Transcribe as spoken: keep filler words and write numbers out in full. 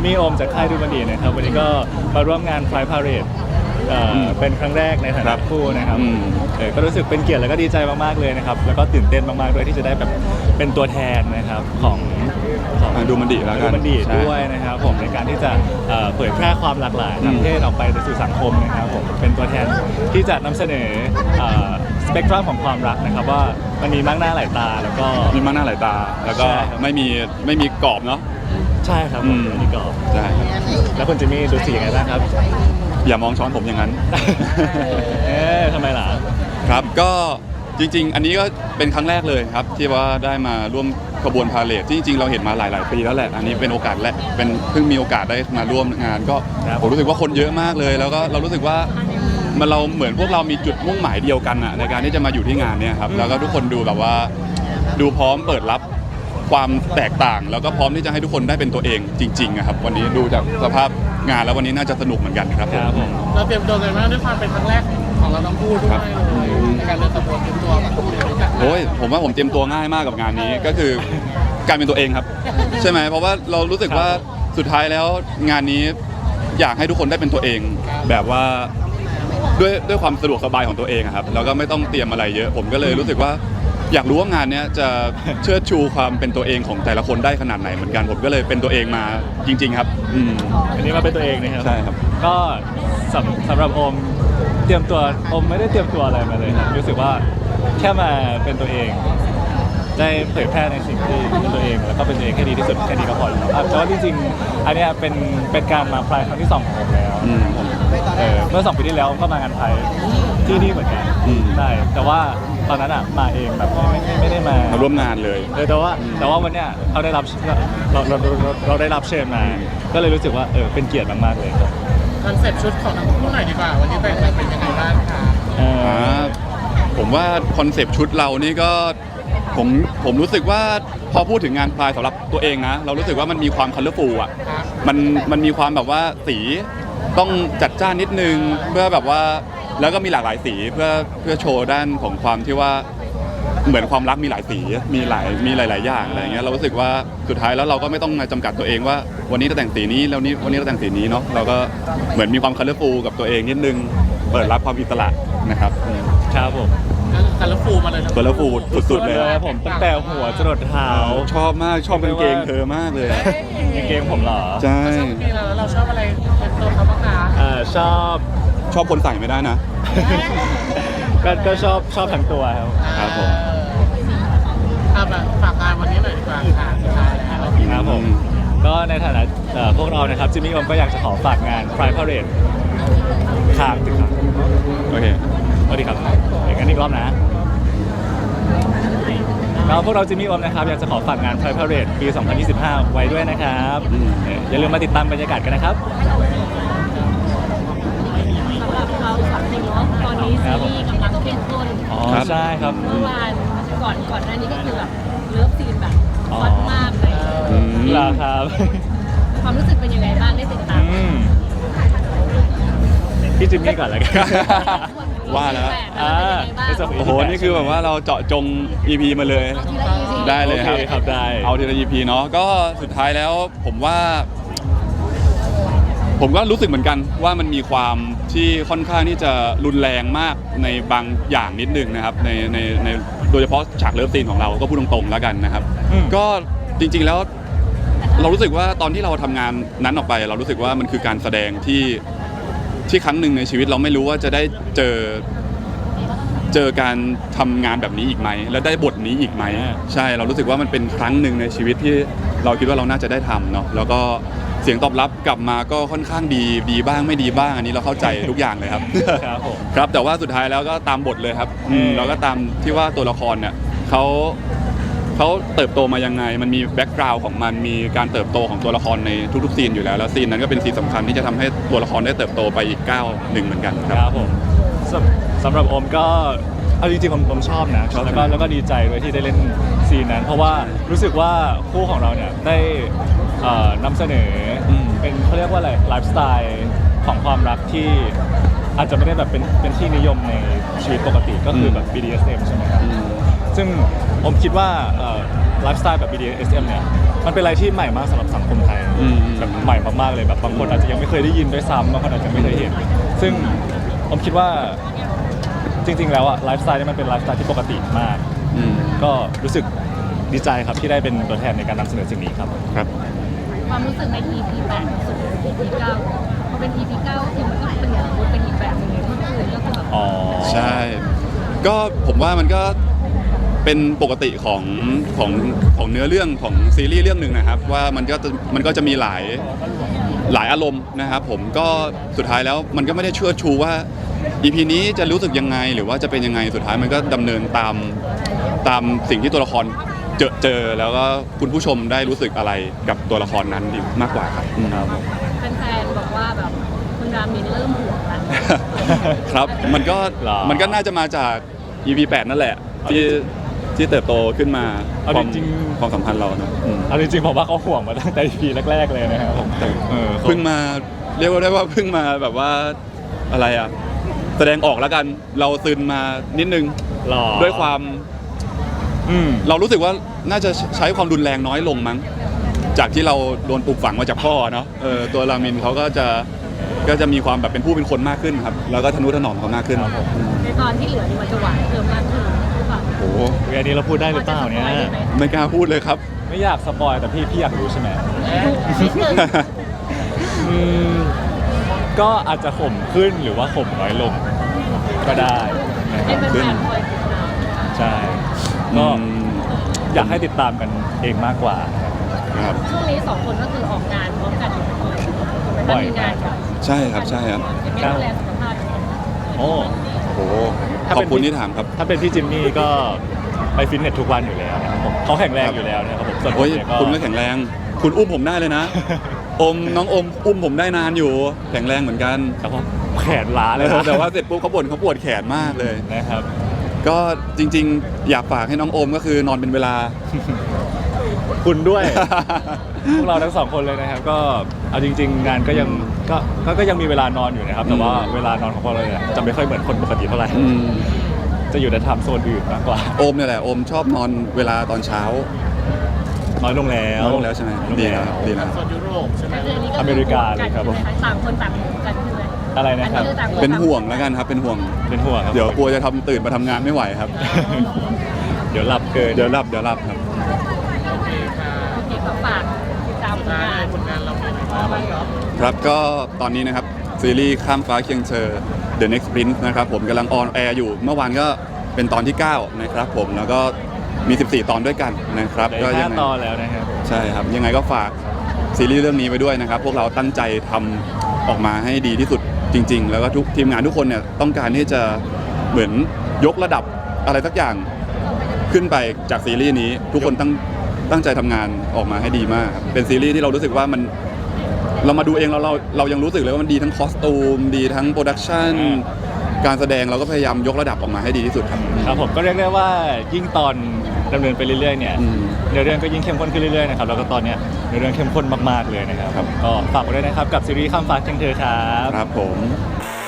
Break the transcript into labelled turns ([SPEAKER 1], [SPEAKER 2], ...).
[SPEAKER 1] มี่โอมจากค่ายดูบันดีนะครับวันนี้ก็มาร่วมงานไฟพาเรดเป็นครั้งแรกในฐานะคู่นะครับก็รู้สึกเป็นเกียรติแล้วก็ดีใจมากๆเลยนะครับแล้วก็ตื่นเต้นมากๆด้วยที่จะได้แบบเป็นตัวแทนนะครับของ
[SPEAKER 2] ของดูมันดีแล้วกัน
[SPEAKER 1] ดูมันดีด้วยนะครับผมในการที่จะเผยแพร่ความหลากหลายทางเพศออกไปสู่สังคมนะครับผมเป็นตัวแทนที่จะนำเสนอสเปกตรัมของความรักนะครับว่ามันมีมากหน้าหลายตาแล้วก็
[SPEAKER 2] มีมากหน้าหลายตาแล้วก็ไม่มีไม่มีกรอบเนาะ
[SPEAKER 1] ใช่ครับผมไม่มีกรอบ
[SPEAKER 2] ใช่
[SPEAKER 1] แล้วคุณจิมมี่รู้สึกยังไงบ้างครับ
[SPEAKER 2] อย่ามองช้อนผมอย่างนั้น
[SPEAKER 1] เอ๊ะทำไมล่ะ
[SPEAKER 2] ครับก็จริงๆอันนี้ก็เป็นครั้งแรกเลยครับที่ว่าได้มาร่วมขบวนพาเหรดที่จริงๆเราเห็นมาหลายๆปีแล้วแหละอันนี้เป็นโอกาสแรกเป็นเพิ่งมีโอกาสได้มาร่วมงานก็ผมรู้สึกว่าคนเยอะมากเลยแล้วก็เรารู้สึกว่ามันเราเหมือนพวกเรามีจุดมุ่งหมายเดียวกันอะในการที่จะมาอยู่ที่งานเนี่ยครับแล้วก็ทุกคนดูแบบว่าดูพร้อมเปิดรับความแตกต่างแล้วก็พร้อมที่จะให้ทุกคนได้เป็นตัวเองจริงๆครับวันนี้ดูจากสภาพงานแล้ววันนี้น่าจะสนุกเหมือนกันครับ
[SPEAKER 1] ผม
[SPEAKER 3] เราเตรียมตัวกันมากด้วยความเป็นครั้งแรกของเราทั้งคู่ด้วยในการเดินขบวนเตรียมตัวแบบ
[SPEAKER 2] โอ้ยผมว่าผมเตรียมตัวง่ายมากกับงานนี้ก็คือการเป็นตัวเองครับใช่ไหมเพราะว่าเรารู้สึกว่าสุดท้ายแล้วงานนี้อยากให้ทุกคนได้เป็นตัวเองแบบว่าด้วยด้วยความสะดวกสบายของตัวเองครับแล้วก็ไม่ต้องเตรียมอะไรเยอะผมก็เลยรู้สึกว่าอยากรู้ว่างานนี้จะเชิดชูความเป็นตัวเองของแต่ละคนได้ขนาดไหนเหมือนกันผมก็เลยเป็นตัวเองมาจริงๆครับอืม
[SPEAKER 1] อันนี้มาเป็นตัวเองนะครับ
[SPEAKER 2] ใช่ครับ
[SPEAKER 1] ก็สำสำหรับโอมเตรียมตัวโอมไม่ได้เตรียมตัวอะไรมาเลยครับรู้สึกว่าแค่มาเป็นตัวเองได้เผยแพร่ในสิ่งที่เป็นตัวเองแล้วก็เป็นตัวเองให้ดีที่สุดแค่นี้ก็พอแล้วแต่ว่าจริงๆอันนี้เป็นเป็นการมาพลายครั้งที่สองของผมแล้วเมื่อสองปีที่แล้วก็มางานไทยที่นี่เหมือนกันใช่แต่ว่าตอนนั้นอ่ะมาเองแบบไม่ไม่ไม่ได้มา
[SPEAKER 2] มาร่วมงานเลย
[SPEAKER 1] แต่ว่าแต่ว่าวันเนี้ยเขาได้รับเราเราเราได้รับเชิญมาก็เลยรู้สึกว่าเออเป็นเกียรติมากๆเลยครับ
[SPEAKER 3] คอนเซ็ปต์ชุดของทั้งคู่หน่อยดีกว่าวันนี้เป็นเป็นยังไงบ้างคะ
[SPEAKER 2] ผมว่าคอนเซ็ปต์ชุดเรานี่ก็ผมผมรู้สึกว่าพอพูดถึงงานพลายสำหรับตัวเองนะเรารู้สึกว่ามันมีความคัลเลอร์ฟูลอ่ะมันมันมีความแบบว่าสีต้องจัดจ้านนิดนึงเพื่อแบบว่าแล้วก็มีหลากหลายสีเพื่อเพื่อโชว์ด้านของความที่ว่าเหมือนความรักมีหลายสีมีหลายมีหลายๆอย่างอะไรเงี้ยเรารู้สึกว่าสุดท้ายแล้วเราก็ไม่ต้องมาจำกัดตัวเองว่าวันนี้จะแต่งสีนี้แล้วนี้วันนี้เราแต่งสีนี้เนาะเราก็เหมือนมีความคัลเลอร์ฟูลกับตัวเองนิดนึงเปิดรับความอิสระนะครับ
[SPEAKER 1] ครับผม
[SPEAKER 3] คัลเลอร์ฟูลมาเลย
[SPEAKER 2] คัลเลอร์ฟูลสุดๆเลย
[SPEAKER 1] ผมตั้งแต่หัวจรดเท้า
[SPEAKER 2] ชอบมากชอบกางเกงเธอมากเลย
[SPEAKER 1] กางเกงผมเหรอ
[SPEAKER 2] ใช่
[SPEAKER 3] เราชอบอะไรเป็นตัวเขาบ้างคะ
[SPEAKER 1] อ่าชอบ
[SPEAKER 2] ชอบคนใส่ไม่ได้นะ
[SPEAKER 1] ก็ก็ชอบชอบทั้งตัวครับ
[SPEAKER 2] ครับผม
[SPEAKER 3] เอาแบบฝากงานวันนี้หน่อยดีกว่าค่ะสุดท้ายแล้ว
[SPEAKER 1] ครับผมก็ในฐานะพวกเรานะครับจิมมี่ผมก็อยากจะขอฝากงาน Pride Parade ค้างถึงครับ
[SPEAKER 2] โอเค
[SPEAKER 1] สวัสดีครับอย่างนั้นอีกรอบนะแล้วพวกเราจิมมี่อมนะครับอยากจะขอฝากงาน Pride Parade ปี สองพันยี่สิบห้า ไว้ด้วยนะครับอย่าลืมมาติดตามบรรยากาศกันนะครับ
[SPEAKER 4] เราสามคนเนาะตอนนี้ซีรีส์กำลังเข้มข้น
[SPEAKER 1] อ๋อใช่ครับ
[SPEAKER 4] เมื่อวานก่อนก่อนหน้านี้ก็คือแบบเลิฟซีนแบบฮอตมากเลย
[SPEAKER 1] ล่ะครับ
[SPEAKER 4] ความรู้สึกเป็นยังไงบ้างได้ติดตาม
[SPEAKER 1] พี่จิมมี่ก่อนเลยกัน
[SPEAKER 2] ว่าแล้ว
[SPEAKER 1] อ่า
[SPEAKER 2] โอ้โหนี่คือแบบว่าเราเจาะจง อี พี มาเลยได้เลย
[SPEAKER 1] ครับได้
[SPEAKER 2] เอาทีละ อี พี เนาะก็สุดท้ายแล้วผมว่าผมก็รู้สึกเหมือนกันว่ามันมีความที่ค่อนข้างที่จะรุนแรงมากในบางอย่างนิดนึงนะครับในในในโดยเฉพาะฉากเลิฟซีนของเราก็พูดตรงๆแล้วกันนะครับก็จริงๆแล้วเรารู้สึกว่าตอนที่เราทำงานนั้นออกไปเรารู้สึกว่ามันคือการแสดงที่ที่ครั้งหนึ่งในชีวิตเราไม่รู้ว่าจะได้เจอเจอการทำงานแบบนี้อีกไหมและได้บทนี้อีกไหมใช่เรารู้สึกว่ามันเป็นครั้งหนึ่งในชีวิตที่เราคิดว่าเราน่าจะได้ทำเนาะแล้วก็เสียงตอบรับกลับมาก็ค่อนข้างดีดีบ้างไม่ดีบ้างอันนี้เราเข้าใจทุกอย่างเลยครับ
[SPEAKER 1] ครับผม
[SPEAKER 2] ครับแต่ว่าสุดท้ายแล้วก็ตามบทเลยครับเราก็ตามที่ว่าตัวละครเนี่ยเขาเขาเติบโตมายังไงมันมีแบ็กกราวด์ของมันมีการเติบโตของตัวละครในทุกๆซีนอยู่แล้วแล้วซีนนั้นก็เป็นซีนสำคัญที่จะทำให้ตัวละครได้เติบโตไปอีกก้าวหนึ่งเหมือนกัน
[SPEAKER 1] ครับผมสำหรับโอมก็เอาจริงๆผมผมชอบนะแล้วก็แล้วก็ดีใจด้วยที่ได้เล่นซีนนั้นเพราะว่ารู้สึกว่าคู่ของเราเนี่ยได้นำเสนอเป็นเขาเรียกว่าอะไรไลฟ์สไตล์ของความรักที่อาจจะไม่ได้แบบเป็นเป็นที่นิยมในชีวิตปกติก็คือแบบ บี ดี เอส เอ็ม ใช่ไหมครับซึ่งผมคิดว่าไลฟ์สไตล์แบบ บี ดี เอส เอ็ม เนี่ยมันเป็นอะไรที่ใหม่มากสำหรับสังคมไทย
[SPEAKER 2] อืม
[SPEAKER 1] แบบใหม่มากๆเลยแบบบางคนอาจจะยังไม่เคยได้ยินด้วยซ้ำบางคนอาจจะไม่เคยเห็นซึ่งผมคิดว่าจริงๆแล้วอะไลฟ์สไตล์นี่มันเป็นไลฟ์สไตล์ที่ปกติมาก
[SPEAKER 2] อืม
[SPEAKER 1] ก็รู้สึกดีใจครับที่ได้เป็นตัวแทนในการนำเสนอสิ่งนี้ครับ
[SPEAKER 2] ครับ
[SPEAKER 4] ความรู้สึกใน อี พี แปดสุด อี พี เก้าพอเป็น อี พี เก้าก็คือมันก็เป็นอย่างอื่นเป็นอีกแบบหนึงที่อื่นก็คือแบบ
[SPEAKER 1] อ๋อ
[SPEAKER 2] ใช่ ก็ผมว่ามันก็เป็นปกติของของของเนื้อเรื่องของซีรีส์เรื่องหนึ่งนะครับ ว่ามันก็จะมันก็จะมีหลายหลายอารมณ์นะครับผมก็สุดท้ายแล้วมันก็ไม่ได้เชื่อชูว่า อี พี นี้จะรู้สึกยังไงหรือว่าจะเป็นยังไงสุดท้ายมันก็ดำเนินตามตามสิ่งที่ตัวละครเจอเจอแล้วก็คุณผู้ชมได้รู้สึกอะไรกับตัวละครนั้นดีมากกว่าครับอืม
[SPEAKER 4] แฟนๆบอกว่าแบบคุณรามินเริ่มห่วงแล้ว
[SPEAKER 2] ครับ มันก็
[SPEAKER 1] หรอ
[SPEAKER 2] มันก็น่าจะมาจาก อี พี แปดนั่นแหละ ที่ที่เติบโตขึ้นมา
[SPEAKER 1] เอา
[SPEAKER 2] ความ
[SPEAKER 1] จริงๆ
[SPEAKER 2] ความสัมพันธ์เราเนอะอืม
[SPEAKER 1] เอาจริงๆผมว่าเขาห่วงมาตั้งแต่ อี พี แรกๆเลยนะครับผมเออ
[SPEAKER 2] เพิ่งมาเรียกว่าได้ว่าเพิ่งมาแบบว่าอะไรอ่ะ แสดงออกแล้วกันเราซึนมานิดนึง
[SPEAKER 1] หล่อ
[SPEAKER 2] ด้วยความ
[SPEAKER 1] อืม
[SPEAKER 2] เรารู้สึกว่าน่าจะใช้ความรุนแรงน้อยลงมั้ง จากที่เราโดนปลูกฝังมาจากพ่อเนาะเออตัวรามินเขาก็จะก็จะมีความแบบเป็นผู้เป็นคนมากขึ้นครับ แล้วก็ทนุถนอมเขามากขึ้น
[SPEAKER 1] ครับผม
[SPEAKER 4] ในตอนที่เหลือนี่มันจะหวานเพิ่มมากขึ้นหรือเปล่า
[SPEAKER 2] โอ้โห
[SPEAKER 1] เวลานี้เราพูดได้หรือเปล่าเนี่ย
[SPEAKER 4] พอจะสปอได้ไหม
[SPEAKER 2] ไม่กล้าพูดเลยครับ
[SPEAKER 1] ไม่อยากสปอยแต่พี่พี่อยากรู้ใช่ไหม
[SPEAKER 4] นิดนึง
[SPEAKER 1] อืมก็อาจจะข่มขึ้นหรือว่าข่มน้อยลงก็ได้นะค
[SPEAKER 4] ให้
[SPEAKER 1] รับ
[SPEAKER 4] แฟนๆคอยติดตาม
[SPEAKER 1] ใช่ก็อยากให้ติดตามกันเองมากกว่า
[SPEAKER 2] ครับ
[SPEAKER 4] ช่วงนี้สองคนก็คือออกงานพร้อมกันอยู่บ่อยๆ
[SPEAKER 1] บ่อย
[SPEAKER 4] มีงานกัน
[SPEAKER 2] ใช่ครับใช่ครับ
[SPEAKER 4] ไม่ดูแลสุขภาพ
[SPEAKER 1] โอ้
[SPEAKER 2] โอ้โห
[SPEAKER 1] ถ้า
[SPEAKER 2] ข
[SPEAKER 1] เป็
[SPEAKER 2] อบ
[SPEAKER 1] น
[SPEAKER 2] คุณที่ถามครับ
[SPEAKER 1] ถ้าเป็นพี่จิมมี่ก็ไปฟิตเนสทุกวันอยู่แล้วนะครับผมเขาแข็งแรงอยู่แล้วนะครับผมส่วนผม
[SPEAKER 2] โอ้ย
[SPEAKER 1] เนี่ยก็
[SPEAKER 2] คุณก็แข็งแรง คุณอุ้มผมได้เลยนะ อมน้องอมอุ้มผมได้นานอยู่ แข็งแรงเหมือนกัน
[SPEAKER 1] แต่ว่าแขนล้าเลยนะ
[SPEAKER 2] แต่ว่าเสร็จปุ๊บเขาบ่นเขาปวดแขนมากเลย
[SPEAKER 1] นะครับ
[SPEAKER 2] ก็จริงๆ อยากฝากให้น้องอมก็คือนอนเป็นเวลา
[SPEAKER 1] คุณด้วย พวกเราทั้งสองคนเลยนะครับ ก็เอาจริง ๆ งานก็ยังก็ก็ก็ยังมีเวลานอนอยู่นะครับ แต่ว่า
[SPEAKER 2] อืม
[SPEAKER 1] เวลานอนของพวกเราเนี่ยจะไม่ค่อยเหมือนคนปกติเท่าไหร่
[SPEAKER 2] อืม
[SPEAKER 1] จะอยู่ในไทม์โซนอื่นมากกว่า
[SPEAKER 2] โอมเนี่ยแหละโอมชอบนอนเวลาตอนเช้า
[SPEAKER 1] น้อยลงแล้ว
[SPEAKER 2] น้อยลงแล้วใช่ไหม
[SPEAKER 1] น้อยลง
[SPEAKER 2] ดี
[SPEAKER 1] แล้
[SPEAKER 2] แล้ว
[SPEAKER 1] ว
[SPEAKER 2] ดีแล้ว
[SPEAKER 3] ส่วนยุโรปใช่ไหม
[SPEAKER 4] ก็คืออันนี้ก็
[SPEAKER 1] อเมริกาเลยครับผม
[SPEAKER 4] ต่างคนต่างอยู่กันใช่ไหม
[SPEAKER 1] อะไรนะครับ
[SPEAKER 4] อัคือต่างค
[SPEAKER 2] เป็นห่วง
[SPEAKER 4] ต่า
[SPEAKER 2] แล้วกันครับ เป็นห่วง
[SPEAKER 1] เป็นห่วงครับ
[SPEAKER 2] เดี๋ยวกลัวจะทำตื่นมาทำงานไม่ไหวครับ
[SPEAKER 1] เดี๋ยวหลับเกิน
[SPEAKER 2] เดี๋ยวรับเดี๋ยวรับครับ
[SPEAKER 3] โอเคค่ะ
[SPEAKER 4] โอเคก็ฝากติดตามผล
[SPEAKER 3] ได้
[SPEAKER 4] งาน
[SPEAKER 3] ผลงานเราเป็นยังไงบ้างครับ
[SPEAKER 2] ครับก็ตอนนี้นะครับ ซีรีส์ข้ามฟ้าเคียงเธอ The Next Prince นะครับผมกำลังออนแอร์อยู่ เมื่อวานก็เป็นตอนที่ เก้า นะครับผมแล้วก็มี สิบสี่ ตอนด้วยกันนะครับ
[SPEAKER 1] เหลื
[SPEAKER 2] ก็
[SPEAKER 1] อ
[SPEAKER 2] ยั
[SPEAKER 1] ห้าง
[SPEAKER 2] ไง
[SPEAKER 1] ตอนแล้วนะครับ
[SPEAKER 2] ใช่ครับ ยังไงก็ฝากซีรีส์เรื่องนี้ไว้ด้วยนะครับ พวกเราตั้งใจทำออกมาให้ดีที่สุดจริง ๆ แล้วก็ทุกทีมงานทุกคนเนี่ยต้องการที่จะเหมือนยกระดับอะไรสักอย่างขึ้นไปจากซีรีส์นี้ทุกคนตั้งตั้งใจทำงานออกมาให้ดีมากครับเป็นซีรีส์ที่เรารู้สึกว่ามันเรามาดูเองเราเราเรายังรู้สึกเลยว่ามันดีทั้งคอสตูมดีทั้งโปรดักชันการแสดงเราก็พยายามยกระดับออกมาให้ดีที่สุดครับ
[SPEAKER 1] ครับผมก็เรียกได้ว่ายิ่งตอนดำเนินไปเรื่อยๆเนี่ย
[SPEAKER 2] อืม
[SPEAKER 1] เนื้อเรื่องก็ยิ่งเข้มข้นขึ้นเรื่อยๆนะครับแล้วก็ตอนเนี้ยเนื้อเรื่องเข้มข้นมากๆเลยนะครับ
[SPEAKER 2] ครับ
[SPEAKER 1] ก็ฝากไว้ด้วยนะครับกับซีรีส์ข้ามฟ้าเคียงเธอครับ
[SPEAKER 2] ครับผม